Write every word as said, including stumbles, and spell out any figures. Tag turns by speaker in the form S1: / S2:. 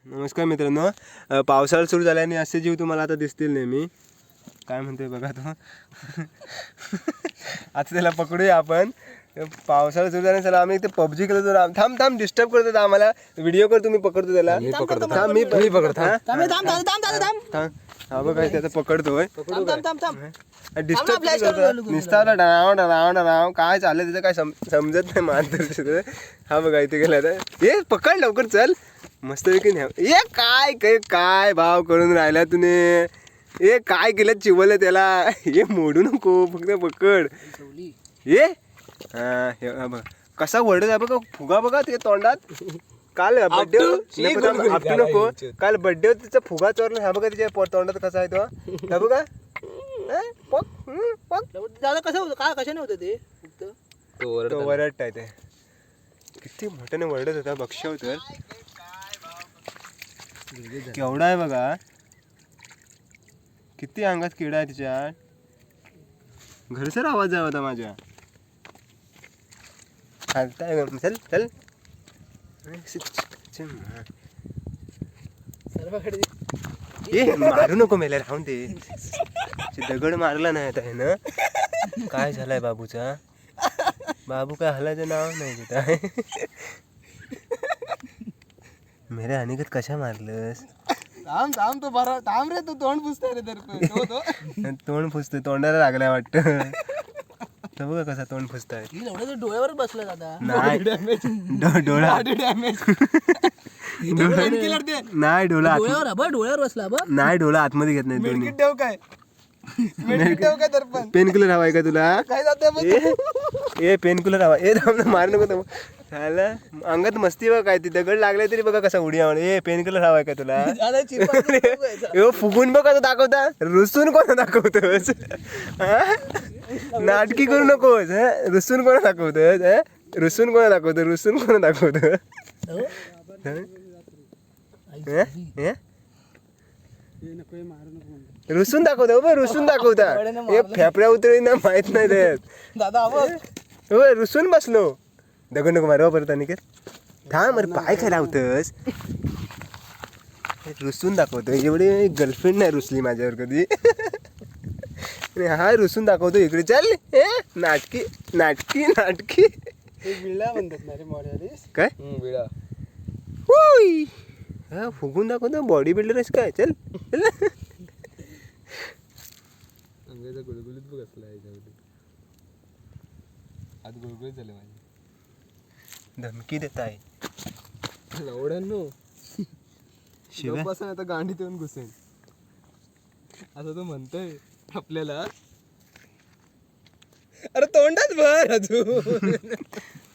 S1: नमस्कार मित्रांनो, पावसाळा सुरू झाल्याने असे जीव तुम्हाला आता दिसतील नेहमी. काय म्हणतोय बघा तो. आता त्याला पकडूया आपण. पावसाळा सुरू झाल्याने चला आम्ही इथे पबजी खेळतो. तर थांब थांब डिस्टर्ब करतो आम्हाला. व्हिडिओ कर तुम्ही पकडतो त्याला.
S2: मी पकडतो
S1: थांब मी मी पकडतो.
S2: थांब
S1: हा बघा त्याचा पकडतोय. डिस्टर्ब
S2: flash करून
S1: करतो निस्तावला डाव डाव डाव काय चाललंय त्याचं काय समजत नाही मात्र. हा बघा इथे गेला तर हे पकड लवकर चल मस्त पैकी न्या. ए काय काय काय भाव करून राहिला तुने. ए काय केलं चिवलं त्याला. हे मोडू नको फक्त पकड. ये हा हे बघा कसा वरडत आहे बघा. फुगा बघा ते तोंडात. काल बड्डे आपटू नको. काल बड्डे तिचा फुगा चोरला. हा बघा तिच्या तोंडात कसा आहे तो. हा बघा
S2: कसं होतं काय कशाने होतं ते
S1: तो वरडत आहे ते. किती मोठ्याने वरडत होता बक्षव तर. केवढा आहे बघा. किती अंगात किडा आहे तिच्या. घरसर आवाज आहे होता माझ्या. चालताय चल चल. ए मारू नको मेला राहून दे. दगड मारला नाही आता ना. काय झालंय बाबूचा. बाबू काय हलायचं नाव नाही तिथं. मेरे अनिकेत कशा मारलंस.
S2: थांब थांब तो बरा थांब रे. तू तोंड पुसतोय रे तर
S1: तोंड फुसतोय. तोंडाला लागलाय वाटतं. तर बघा कसा तोंड फुसताय.
S2: डोळ्यावर बसला दादा.
S1: नाही डोळा
S2: डॅमेज
S1: नाही डोळा
S2: डोळ्यावर बघ डोळ्यावर बसला बघ.
S1: नाही डोळा आतमध्ये घेत नाही दोन्ही.
S2: ठेव काय काय तर पण
S1: पेन किलर हवाय का तुला.
S2: काय जाते
S1: ए पेन किलर हवा. ए थांब मार नको. झालं अंगात मस्ती बघ काय. ती दगड लागले तरी बघा कसा उडी आवड. ए पेन किलर हवाय का तुला. ए फुगून बघ कसं दाखवता. रुसून कोणा दाखवतोस. नाटकी करू नकोस. रुसून कोणा दाखवतोस. रुसून कोणा दाखवतो. रुसून कोणा दाखवतो. रुसून दाखवतो बघ. रुसून दाखवता. हे फेफड्या उतरी ना माहित नाही देत
S2: दादा
S1: हो. रुसून बसलो. दगड नको मारवा परत अनिकेत. थांब अरे पाय काय लावतस. रुसून दाखवतो. एवढी गर्लफ्रेंड नाही रुसली माझ्यावर कधी. हा रुसून दाखवतो इकडे. चल ए नाटकी नाटकी नाटकी.
S2: विळा म्हणतात ना रे मॉडेलिस.
S1: काय
S2: विळा
S1: होय. हा फुगून दाखवतो. बॉडी बिल्डरच काय. चल चल.
S2: अंगाचा गुळगुळीत बघ असला याच्यामध्ये. आज गुळगुळीत झाले माझे.
S1: धमकी देत आहे
S2: लवड्यांनो.
S1: शिवाय
S2: बसून आता गांडीत येऊन घुसेन असं तो म्हणतोय आपल्याला. अरे तोंडात भर अजून.